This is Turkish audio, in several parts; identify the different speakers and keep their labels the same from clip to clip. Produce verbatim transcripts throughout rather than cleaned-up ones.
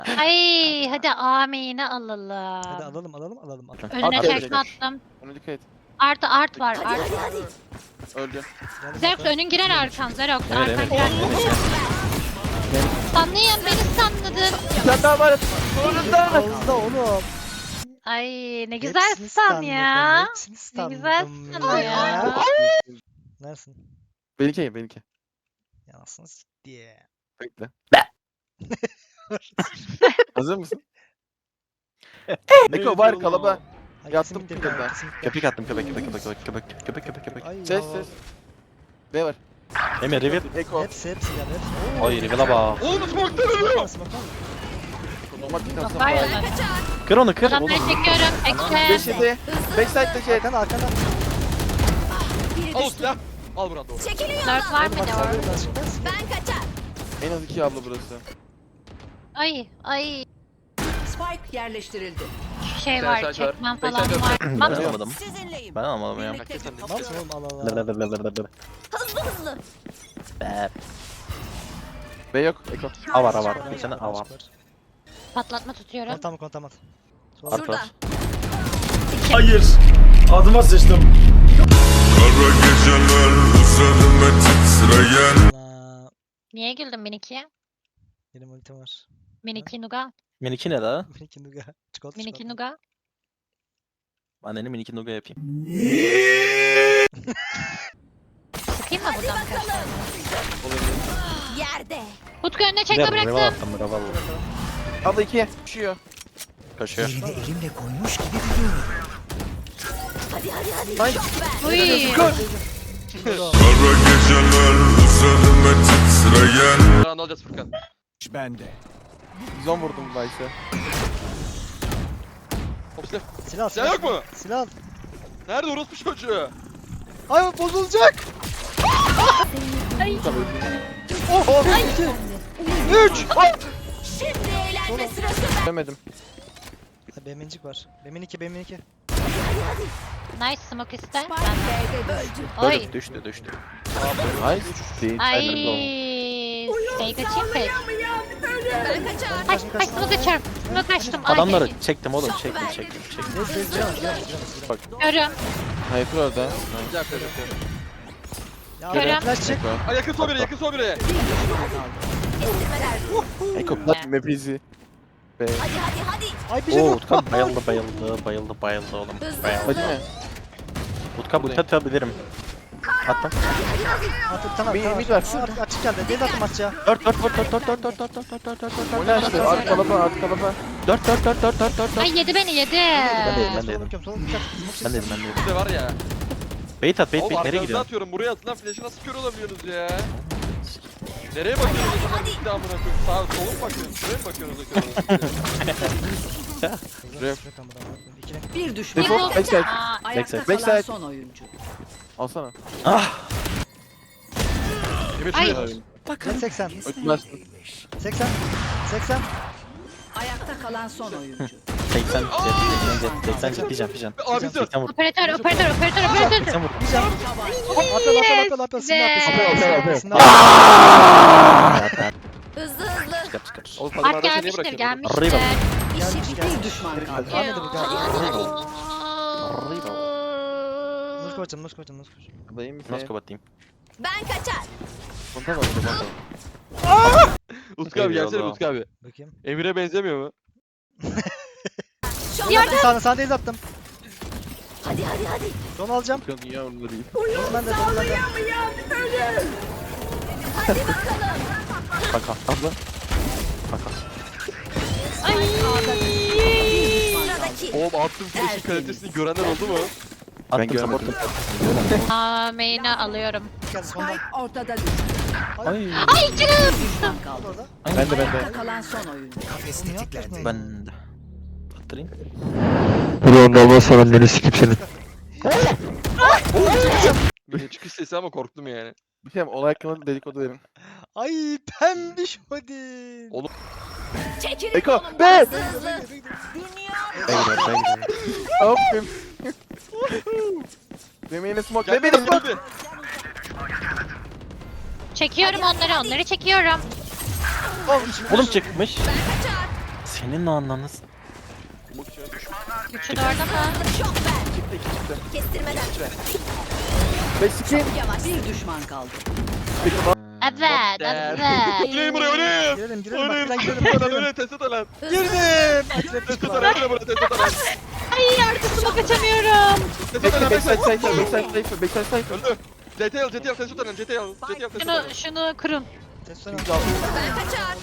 Speaker 1: Ay hadi amine
Speaker 2: Hadi
Speaker 1: alalım.
Speaker 2: alalım alalım alalım. alalım.
Speaker 1: Önüne
Speaker 3: At
Speaker 1: tekme
Speaker 3: direkt.
Speaker 1: attım.
Speaker 3: Ona dikkat et.
Speaker 1: Artı art var art.
Speaker 3: Öldü.
Speaker 2: Geldim
Speaker 1: Zerox
Speaker 2: bakalım.
Speaker 1: önün girer arkan Zerox.
Speaker 4: Evet
Speaker 1: Arkan
Speaker 4: evet.
Speaker 1: girer.
Speaker 4: evet.
Speaker 1: Sanlayan beni sanladın.
Speaker 3: Bir tane daha var. Sonunda.
Speaker 2: Ağızda oğlum.
Speaker 1: Ay ne güzel
Speaker 2: Hepsini
Speaker 1: san
Speaker 2: stunladım,
Speaker 1: ya.
Speaker 2: hepsini
Speaker 1: Ne güzel
Speaker 2: stunladım
Speaker 1: sana ya.
Speaker 2: Neresin?
Speaker 3: Benimki benimki.
Speaker 2: Yansın diye.
Speaker 3: Bekle. Hazır mısın? Eko var kalaba. Yattım kırıldı.
Speaker 4: Köpek attım köpek köpek köpek köpek köpek köpek köpek köpek.
Speaker 2: Ay
Speaker 3: Ses
Speaker 2: ya.
Speaker 3: ses. Ne var?
Speaker 4: Emir reveal.
Speaker 3: Eko.
Speaker 2: Hepsi hepsi geldi hepsi.
Speaker 4: Ay reveal'a bak.
Speaker 3: Oğlum smoke'tan ölüyor.
Speaker 2: Smoke var mı?
Speaker 3: Otomatik
Speaker 1: Var
Speaker 3: aslında.
Speaker 1: ya.
Speaker 4: Kır onu kır.
Speaker 1: Adamları
Speaker 4: Oğlum.
Speaker 1: çekiyorum. Ekşe.
Speaker 3: Beşidi. Backside'da şey.
Speaker 2: Arkana arkana.
Speaker 5: Al silah. Al buradan doğru.
Speaker 1: Dört var mı
Speaker 2: Bak
Speaker 1: ne
Speaker 2: sarı
Speaker 1: var?
Speaker 2: yoldan çıkmaz.
Speaker 3: En az iki abla burası.
Speaker 1: Ay ay.
Speaker 6: Spike yerleştirildi.
Speaker 1: Şey var
Speaker 5: Backside var.
Speaker 1: çekmem falan
Speaker 5: Backside
Speaker 1: var.
Speaker 4: Ben
Speaker 1: Bak
Speaker 4: alamadım.
Speaker 6: Sizinleyim.
Speaker 4: Ben alamadım ya.
Speaker 6: Birlikte
Speaker 5: Hakikaten
Speaker 2: Ne yapsın oğlum Allah Allah.
Speaker 4: Blablabla. Be.
Speaker 3: B yok. Eko.
Speaker 4: A var A var. Bir tane A var.
Speaker 1: patlatma tutuyorum.
Speaker 2: Kontam kontam at. Sol.
Speaker 4: Art var.
Speaker 7: Hayır. Adıma sıçtım.
Speaker 8: Kara geceler üzerime titreyen
Speaker 2: Aa,
Speaker 1: Niye güldün Miniki'ye?
Speaker 2: benim ultim var.
Speaker 1: Miniki Nuga.
Speaker 4: Miniki ne la?
Speaker 2: Miniki Nuga. Çikolata
Speaker 1: Miniki
Speaker 2: çikolata.
Speaker 1: Nuga.
Speaker 4: Anneni miniki nuga yapayım.
Speaker 1: Sıkayım mı buradan birkaç tane?
Speaker 6: Yerde.
Speaker 1: Utku önüne çekme
Speaker 4: Reveal reveal
Speaker 1: bıraktım.
Speaker 4: attım reveal.
Speaker 3: Abla ikiye. Düşüyor.
Speaker 4: Koşuyor.
Speaker 3: Nice.
Speaker 1: Uy.
Speaker 8: kara geceler üzerime titreyen
Speaker 5: Buradan alacağız Furkan.
Speaker 3: yüz on vurdum Vice'e.
Speaker 5: Hop silah.
Speaker 2: Silah
Speaker 5: Silah yok mu?
Speaker 2: Silah al.
Speaker 5: Nerede orospu çocuğu?
Speaker 2: Ay bozulacak.
Speaker 3: Oho. Üç.
Speaker 6: Şimdi eğlenme sırası.
Speaker 3: Demedim.
Speaker 2: Ha, Bemincik var. Bemin iki Bemin iki.
Speaker 1: Nice smoke iste.
Speaker 6: Spike
Speaker 1: Ben
Speaker 6: B'de düştü.
Speaker 1: Oy.
Speaker 4: Öldü düştü düştü.
Speaker 3: Nice. Değil.
Speaker 1: Ay. Fake açayım fake.
Speaker 6: Ben kaçar.
Speaker 1: Hay hay smoke açıyorum. Smoke açtım. Ay.
Speaker 4: Adamları çektim oğlum çektim çektim çektim.
Speaker 2: Neyse neyse giremeyiz giremeyiz giremeyiz.
Speaker 3: Bak.
Speaker 1: Görüyorum.
Speaker 3: Hyper orada.
Speaker 5: Güzel güzel.
Speaker 2: Ya
Speaker 1: Görüyorum.
Speaker 2: flash çek.
Speaker 3: Eko.
Speaker 5: Ay yakın sol biri yakın sol biri.
Speaker 3: Eko plat map easy. B.
Speaker 6: Hadi hadi hadi.
Speaker 2: Ay bir şey
Speaker 4: Oo
Speaker 2: yok.
Speaker 4: Utkan bayıldı bayıldı bayıldı bayıldı oğlum.
Speaker 6: Hızlı
Speaker 4: Bayıldı.
Speaker 3: Hadi mi?
Speaker 4: Utkan bu atabilirim. Attım.
Speaker 2: At tamam
Speaker 3: Bir-
Speaker 2: tamam.
Speaker 3: bir var.
Speaker 2: Aa, açık geldi. Deli atım açığa.
Speaker 4: Dört dört dört dört dört dört dört dört dört dört dört dört
Speaker 3: O ne açtı? At kalaba at kalaba.
Speaker 4: dört dört dört dört dört dört.
Speaker 1: Ay yedi beni yedi.
Speaker 4: Ben de yedim, ben de
Speaker 2: Sola
Speaker 4: yedim.
Speaker 2: bakıyorum, sola bakıyorum.
Speaker 4: Ben dedim ben dedim.
Speaker 5: Bir de var ya.
Speaker 4: Bait at bait
Speaker 5: Oğlum
Speaker 4: bait nereye
Speaker 5: arkanızda
Speaker 4: gidiyorsun?
Speaker 5: atıyorum. Buraya atın lan. Flash'ı nasıl kör olabiliyorsunuz ya? Nereye bakıyorsunuz o zaman? Bir daha amına koyayım. Sağa sola mı bakıyorsunuz? Şuraya mı bakıyorsunuz o kör olabiliyor?
Speaker 3: Ref.
Speaker 2: Yok ama da bakıyorum. İkine.
Speaker 6: bir düşman.
Speaker 3: Defol. Backside.
Speaker 1: Aa,
Speaker 6: Ayakta
Speaker 4: Backside.
Speaker 6: kalan
Speaker 3: Backside.
Speaker 6: son oyuncu.
Speaker 3: Alsana.
Speaker 4: Ah.
Speaker 5: Emir
Speaker 1: Ay.
Speaker 5: şuraya.
Speaker 2: Ben seksen.
Speaker 3: Ötmez.
Speaker 2: seksen. seksen.
Speaker 6: Ayakta kalan son oyuncu.
Speaker 4: seksen seksen seksen seksen pijam pijam.
Speaker 5: Abi dur.
Speaker 4: seksen vur.
Speaker 1: operatör operatör operatör operatör.
Speaker 4: seksen vur.
Speaker 2: Apel apel apel apel. Sinir
Speaker 1: Yes
Speaker 2: apel.
Speaker 3: be.
Speaker 2: Sinir
Speaker 3: Apel,
Speaker 2: apel.
Speaker 3: apel.
Speaker 2: Sinir apel.
Speaker 6: Hızlı hızlı.
Speaker 4: Çıkar çıkar.
Speaker 5: Oğlum
Speaker 1: Art
Speaker 5: kadınlardan seni niye
Speaker 1: gelmiştir
Speaker 5: bırakıyorsun?
Speaker 1: gelmiştir.
Speaker 4: Arriba.
Speaker 6: İşi bir düşman kaldı.
Speaker 2: Ahmet de bu geldi.
Speaker 4: Arriba.
Speaker 2: Nuz koçum nuz koçum nuz koçum.
Speaker 3: Adayım bir
Speaker 4: Nasıl
Speaker 3: şey.
Speaker 4: kapatayım?
Speaker 6: Ben kaçar.
Speaker 3: Konta bak. Konta.
Speaker 5: Utku abi gelsene
Speaker 4: Eyvallah.
Speaker 5: Utku abi.
Speaker 2: Bakayım.
Speaker 5: Emir'e benzemiyor mu?
Speaker 2: Sağ sağ değil attım.
Speaker 6: Hadi hadi hadi.
Speaker 2: Son alacağım.
Speaker 3: Bakın ya onları iyi.
Speaker 2: Son bende son bende.
Speaker 6: Hadi bakalım.
Speaker 4: Kaka. Abla. Kaka.
Speaker 6: Sıradaki.
Speaker 5: Oğlum attığım flash'in kalitesini görenler oldu mu?
Speaker 4: Attım
Speaker 3: görmedim.
Speaker 4: supportum.
Speaker 1: Aa main'i alıyorum.
Speaker 2: Geldi sondan.
Speaker 6: Spike ortada düştü.
Speaker 4: Ay.
Speaker 1: Ay canım.
Speaker 6: Düşman kaldı.
Speaker 2: Orada.
Speaker 3: Ben de ben
Speaker 6: Ayakta
Speaker 3: de.
Speaker 6: kalan son oyuncu.
Speaker 2: Bunu yapıyorsun.
Speaker 4: Ben de. Attırayım.
Speaker 5: Bir çıkış sesi ama korktum yani.
Speaker 3: Bir şey olay hakkında dedikodu verin.
Speaker 2: Ay pembiş Odin.
Speaker 5: Oğlum.
Speaker 6: Çekilin
Speaker 3: Eko,
Speaker 6: yolumdan.
Speaker 3: be!
Speaker 6: Hızlı hızlı. Dünya.
Speaker 4: Ben gidiyorum ben gidiyorum.
Speaker 3: Hopim. Demeyin smoke. Ne benim smoke.
Speaker 5: Abi.
Speaker 1: Çekiyorum onları onları çekiyorum.
Speaker 4: Oğlum çıkmış.
Speaker 6: Ben kaçar.
Speaker 4: Senin o anlamınız.
Speaker 1: Üçü de orada mı?
Speaker 6: Şok ver.
Speaker 3: Çıktı iki çıktı.
Speaker 6: Kestirmeden.
Speaker 3: beş iki.
Speaker 6: Yavaş. Bir düşman kaldı.
Speaker 1: Evet, evet.
Speaker 5: Oynayın buraya oynayın.
Speaker 2: Girelim girelim bak
Speaker 5: Oynayın.
Speaker 2: lan girelim.
Speaker 5: Test
Speaker 2: girelim.
Speaker 5: öyle test lan.
Speaker 2: Girdim.
Speaker 5: Test lan buraya test lan.
Speaker 1: Ay arkasıma kaçamıyorum.
Speaker 5: Test
Speaker 3: Bekle
Speaker 5: lan
Speaker 3: backside
Speaker 5: backside.
Speaker 3: cypher backside cypher backside cypher.
Speaker 5: Öldü. C T al C T al test lan C T al C T al test
Speaker 1: Şunu, şunu kırın.
Speaker 2: Testten al.
Speaker 6: Ben kaçar.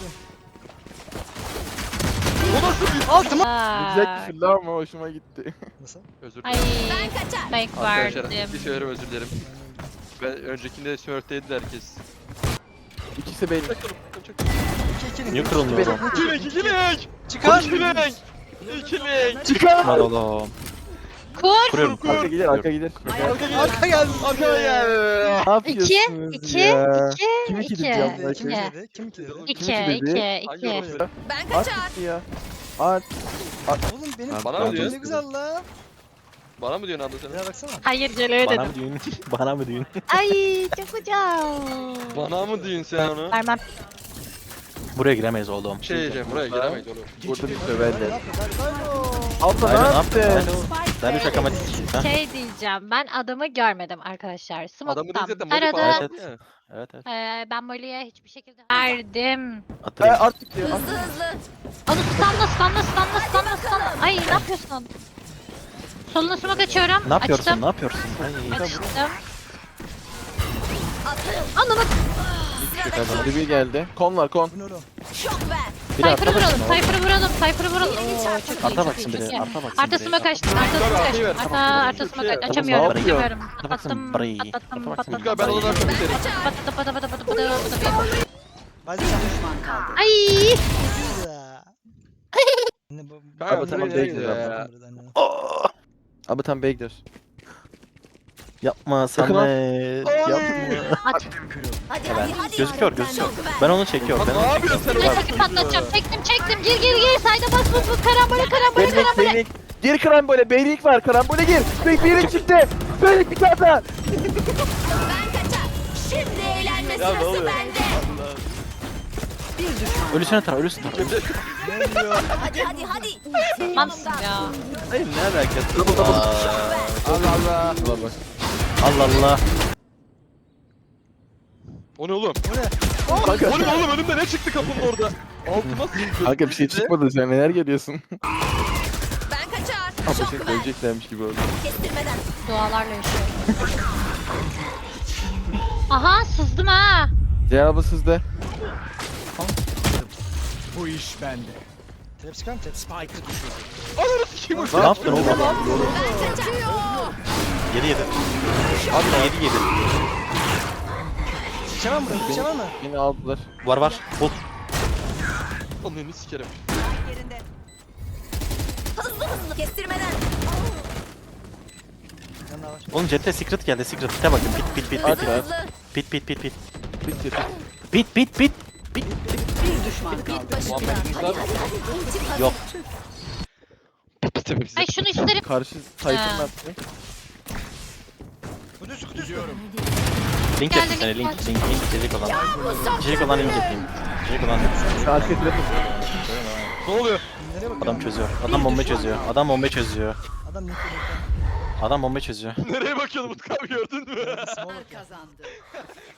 Speaker 5: Bu nasıl bir...
Speaker 2: Altıma.
Speaker 3: Güzel küfürlü ama hoşuma gitti.
Speaker 2: Nasıl?
Speaker 5: Özür
Speaker 1: Ay,
Speaker 5: dilerim.
Speaker 6: Ben kaçar.
Speaker 1: bank
Speaker 5: Arkadaşlar
Speaker 1: verdim.
Speaker 5: bir söylerim özür dilerim. Ben öncekinde smurfteydi herkes.
Speaker 3: İkisi benim.
Speaker 5: Çakalım. Çakalım.
Speaker 2: İki iki
Speaker 4: Niye
Speaker 2: link.
Speaker 4: kırılmıyor oğlum?
Speaker 5: İki link, iki link.
Speaker 2: Çıkar.
Speaker 5: İki link. İki link.
Speaker 3: Çıkar.
Speaker 4: Hadi oğlum.
Speaker 1: Kur.
Speaker 4: Kuruyorum.
Speaker 3: Arka gider arka gider.
Speaker 2: Arka geldi.
Speaker 5: Arkaya gel.
Speaker 3: Ne yapıyorsunuz
Speaker 1: İki, iki,
Speaker 3: ya?
Speaker 1: iki,
Speaker 3: Kim iki
Speaker 1: iki.
Speaker 3: dedi ya?
Speaker 2: Kim
Speaker 1: İki.
Speaker 2: dedi? Kim dedi?
Speaker 1: İki,
Speaker 3: Kim iki
Speaker 1: iki,
Speaker 3: dedi?
Speaker 5: Hangi
Speaker 1: iki.
Speaker 5: orası?
Speaker 6: Ben
Speaker 3: At
Speaker 6: kaçar.
Speaker 3: gitti ya. At.
Speaker 2: Oğlum benim
Speaker 4: Abi,
Speaker 5: bana mı
Speaker 2: ne
Speaker 5: diyorsun?
Speaker 2: güzel la.
Speaker 5: Bana mı diyorsun abla sen?
Speaker 2: Ya baksana.
Speaker 1: Hayır, geliyor
Speaker 4: Bana
Speaker 1: dedim.
Speaker 4: mı düğün? Bana mı düğün?
Speaker 1: Ay, çok güzel.
Speaker 5: Bana mı diyorsun sen onu?
Speaker 1: Vermem.
Speaker 4: Buraya giremeyiz oğlum.
Speaker 5: Şey diyeceğim buraya giremeyiz oğlum.
Speaker 3: Burada bir
Speaker 2: Ne
Speaker 3: söverler.
Speaker 2: yapıyor? Alo.
Speaker 3: Abla ne
Speaker 4: Aynen ne yaptın?
Speaker 3: yaptın?
Speaker 4: Darius akamatik. Ha?
Speaker 1: Şey diyeceğim, ben adamı görmedim arkadaşlar.
Speaker 5: Adamı
Speaker 1: Smoke'tan
Speaker 5: değil zaten Molly
Speaker 1: aradım.
Speaker 5: falan.
Speaker 4: Evet,
Speaker 5: yaptı ya.
Speaker 4: Evet evet.
Speaker 1: Ee, ben Molly'ye hiçbir şekilde verdim.
Speaker 3: Ee,
Speaker 4: Attırayım.
Speaker 3: artık diyor.
Speaker 6: Hızlı hızlı.
Speaker 1: Onu stunla stunla stunla stunla stunla. Ay ne yapıyorsun? Soluna smoke açıyorum.
Speaker 4: Ne yapıyorsun?
Speaker 1: Açtım.
Speaker 4: Ne yapıyorsun? Ay.
Speaker 1: Açtım.
Speaker 6: Atın.
Speaker 1: Anladım.
Speaker 3: Hadi bir geldi. Kon var kon.
Speaker 2: Bu ne oğlum?
Speaker 6: Şok ver.
Speaker 4: Biri arka
Speaker 1: Cypher'ı
Speaker 4: baksın
Speaker 1: vuralım,
Speaker 4: oğlum.
Speaker 1: Cypher'ı vuralım, Cypher'ı vuralım. Oo, çok iyi,
Speaker 4: Arka
Speaker 1: çok
Speaker 4: baksın
Speaker 1: iyi, çok
Speaker 4: biri.
Speaker 1: iyi.
Speaker 4: Arka baksın
Speaker 1: Arka
Speaker 4: biri.
Speaker 1: smoke açtım, arka smoke
Speaker 5: Arkayı
Speaker 1: açtım.
Speaker 5: ver.
Speaker 1: Arka, arka smoke
Speaker 5: Oğlum,
Speaker 1: aç- açamıyorum,
Speaker 3: ne yapıyor?
Speaker 1: açamıyorum.
Speaker 4: Arka baksın
Speaker 1: Patlattım,
Speaker 4: biri.
Speaker 1: patlattım,
Speaker 4: Arka baksın
Speaker 1: patlattım.
Speaker 5: Tutkay ben odadan
Speaker 6: Ben
Speaker 5: komiserim.
Speaker 6: kaçar.
Speaker 1: Patlattım, patlattım, patlattım, patlattım.
Speaker 2: Hadi sen.
Speaker 6: Düşman kaldı.
Speaker 1: Ay!
Speaker 2: Ya. Ne bu?
Speaker 5: Kanka,
Speaker 3: Abi tamam,
Speaker 5: buraya
Speaker 3: bekle,
Speaker 5: gidiyor ya.
Speaker 3: Abi tam B'ye gidiyoruz.
Speaker 4: Yapma
Speaker 3: Sakın
Speaker 4: Samet. Yapma.
Speaker 1: At.
Speaker 6: Hadi
Speaker 4: Ben
Speaker 6: hadi hadi.
Speaker 4: gözüküyor gözüküyor. Ben onu çekiyorum. Ben
Speaker 5: Lan ne
Speaker 4: onu
Speaker 5: yapıyorsun sen
Speaker 4: çekiyorum.
Speaker 5: orada?
Speaker 1: Çekip patlatacağım. Çektim, çektim. Gir, gir, gir. Sayda bas, bas, bas. Karambole, karambole,
Speaker 3: Beylik
Speaker 1: karambole.
Speaker 3: beylik. Gir karambole. Beylik var. Karambole gir. Beylik beylik çıktı. Beylik bir tane daha.
Speaker 6: Ben kaçar. Şimdi eğlenme
Speaker 3: Ya ne
Speaker 6: sırası
Speaker 3: oluyor?
Speaker 6: bende. Bir düşman.
Speaker 4: Ölüsüne tara ölüsüne tara.
Speaker 6: Hadi hadi hadi.
Speaker 1: Tamamsın ya.
Speaker 4: Hayır ne alakası? Aa,
Speaker 3: Allah Allah. Allah bak.
Speaker 4: Allah Allah.
Speaker 5: O ne oğlum?
Speaker 3: Kanka,
Speaker 5: O ne oğlum önümde ne çıktı kapının orada? Altıma sıçtı.
Speaker 3: kanka bir şey çıkmadı sen neler geliyorsun?
Speaker 6: Ben kaçar.
Speaker 3: Ama
Speaker 6: Şok
Speaker 3: şey
Speaker 6: ver.
Speaker 3: söyleyeceklermiş gibi oldu.
Speaker 6: Kestirmeden.
Speaker 1: Dualarla yaşıyorum. Aha, sızdım ha.
Speaker 3: Cevabı sizde.
Speaker 2: Trap çıkar mı trap?
Speaker 5: Ananı sikeyim
Speaker 4: Ne yaptın oğlum?
Speaker 6: Ben kaçıyor.
Speaker 4: Yedi yedi. Abi yedi yedi.
Speaker 2: Geçemem mi? Geçemem mi?
Speaker 3: Yine aldılar.
Speaker 4: Var var. Bul.
Speaker 5: Ananı sikerim.
Speaker 6: Hızlı hızlı. Kestirmeden.
Speaker 2: Yanına var.
Speaker 4: Oğlum Jet'te secret geldi. Secret. Pite bakın. Pit pit pit pit.
Speaker 6: Hızlı hızlı.
Speaker 4: Pit pit pit pit.
Speaker 3: Bitti.
Speaker 4: Pit pit pit.
Speaker 6: Bir düşman kaldı. Git başımdan. Hadi hadi hadi. Ultim hazır.
Speaker 4: Yok.
Speaker 1: Ay şunu isterim.
Speaker 3: Karşı Titan
Speaker 1: Ha.
Speaker 3: attı.
Speaker 2: Bu düz kutu
Speaker 4: Link
Speaker 1: Geldi,
Speaker 4: yapayım sana.
Speaker 1: link
Speaker 4: Link. Link. Link. İçerik olan. İçerik olan link yapayım. İçerik olan.
Speaker 3: Arka trap.
Speaker 5: Ne oluyor?
Speaker 2: Nereye bakıyor?
Speaker 4: Adam çözüyor. Adam bomba çözüyor. Adam bomba çözüyor.
Speaker 2: Adam ne yapıyor?
Speaker 4: Adam bomba çözüyor.
Speaker 5: Nereye bakıyordun Utku abi gördün mü?
Speaker 2: Smoke bakıyor.
Speaker 6: Kazandı.